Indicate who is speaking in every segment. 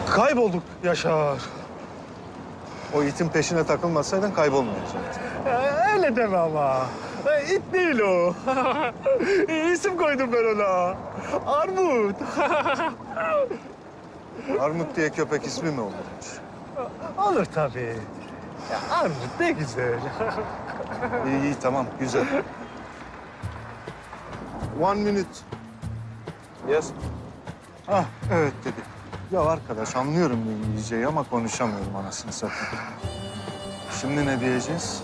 Speaker 1: Kaybolduk Yaşar.
Speaker 2: O itin peşine takılmasaydın kaybolmayacaktın.
Speaker 1: Öyle deme ama. İt değil o. İsim koydum ben ona. Armut.
Speaker 2: Armut diye köpek ismi mi olurmuş?
Speaker 1: Olur tabii. Ya, Armut ne güzel.
Speaker 2: İyi iyi tamam güzel. 1 minute. Yes. Ah evet dedi. Ya arkadaş anlıyorum İngilizceyi ama konuşamıyorum anasını satayım. Şimdi ne diyeceğiz?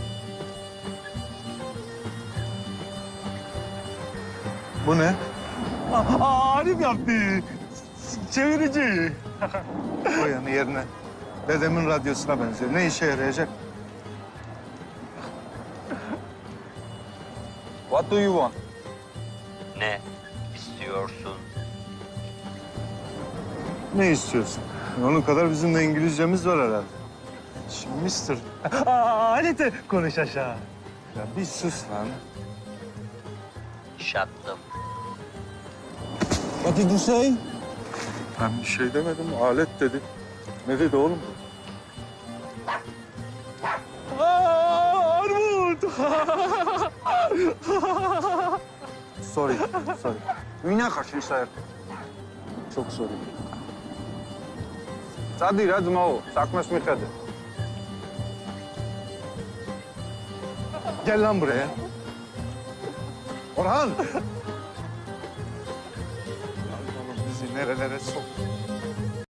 Speaker 2: Bu ne?
Speaker 1: Arif yaptı. Çevirici.
Speaker 2: Koy yanı yerine. Dedemin radyosuna benziyor. Ne işe yarayacak? What do you want?
Speaker 3: Ne istiyorsun?
Speaker 2: Ne istiyorsun? Onun kadar bizim de İngilizcemiz var herhalde. Şimdi mister.
Speaker 1: Halit konuş aşağı.
Speaker 2: Ya bir sus lan.
Speaker 3: Şattım.
Speaker 2: What did you say? Ben bir şey demedim. Alet dedi. Ne dedi oğlum?
Speaker 1: Armut.
Speaker 2: Sorry. Sorry. Dünya kaçmış sayar. Çok sorry. Hadi hadi o. Sakmaş mı hadi. Gel lan buraya. Orhan! Oğlum bizi nerelere sok.